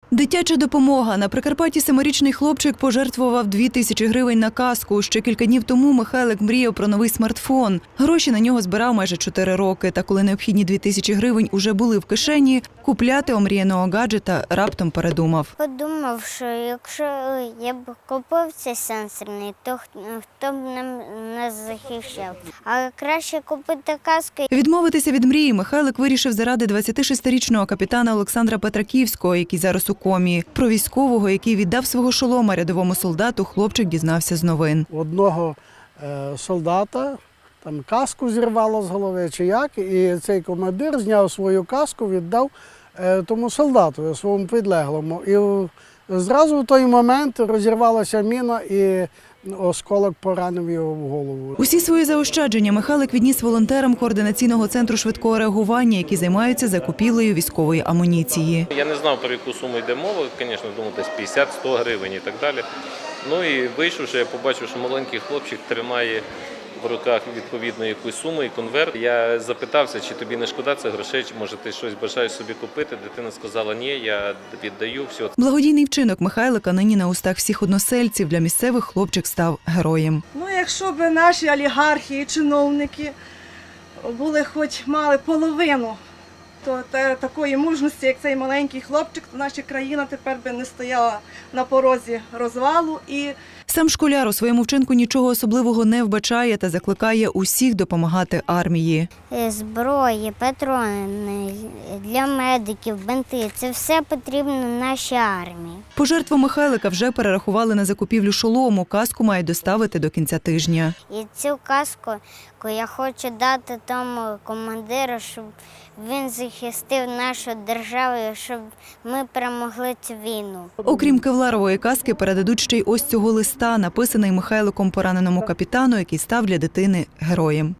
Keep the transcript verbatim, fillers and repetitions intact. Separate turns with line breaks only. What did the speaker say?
Дитяча допомога. На Прикарпатті семирічний хлопчик пожертвував дві тисячі гривень на каску. Ще кілька днів тому Михайлик мріяв про новий смартфон. Гроші на нього збирав майже чотири роки. Та коли необхідні дві тисячі гривень уже були в кишені, купляти омріяного гаджета раптом передумав.
Подумав, що якщо я б купив цей сенсорний, то хто б нам нас захищав. А краще купити каску.
Відмовитися від мрії Михайлик вирішив заради двадцятишестирічного капітана Олександра Петраківського, який зараз у комі. Про військового, який віддав свого шолома рядовому солдату, хлопчик дізнався з новин.
Одного е, солдата там каску зірвало з голови чи як, і цей командир зняв свою каску, віддав е, тому солдату, своєму підлеглому. І зразу в той момент розірвалася міна і осколок поранив його в голову.
Усі свої заощадження Михайлик відніс волонтерам координаційного центру швидкого реагування, які займаються закупівлею військової амуніції.
Я не знав, про яку суму йде мова, звісно, думав, десь п'ятдесят-сто гривень і так далі. Ну і вийшовши, я побачив, що маленький хлопчик тримає в руках відповідно якусь суму і конверт. Я запитався, чи тобі не шкода цих грошей, чи може ти щось бажаєш собі купити. Дитина сказала, ні, я віддаю, все.
Благодійний вчинок Михайлика нині на устах всіх односельців. Для місцевих хлопчик став героєм.
Ну, якщо б наші олігархи і чиновники були хоч мали половину то та, такої мужності, як цей маленький хлопчик, то наша країна тепер би не стояла на порозі розвалу. І
Сам школяр у своєму вчинку нічого особливого не вбачає та закликає усіх допомагати армії.
Зброї, патрони для медиків, бинти – це все потрібно нашій армії.
Пожертву Михайлика вже перерахували на закупівлю шолому. Каску мають доставити до кінця тижня.
І цю каску я хочу дати тому командиру, щоб він захистив нашу державу, щоб ми перемогли цю війну.
Окрім кевларової каски, передадуть ще й ось цього листа, написаний Михайликом пораненому капітану, який став для дитини героєм.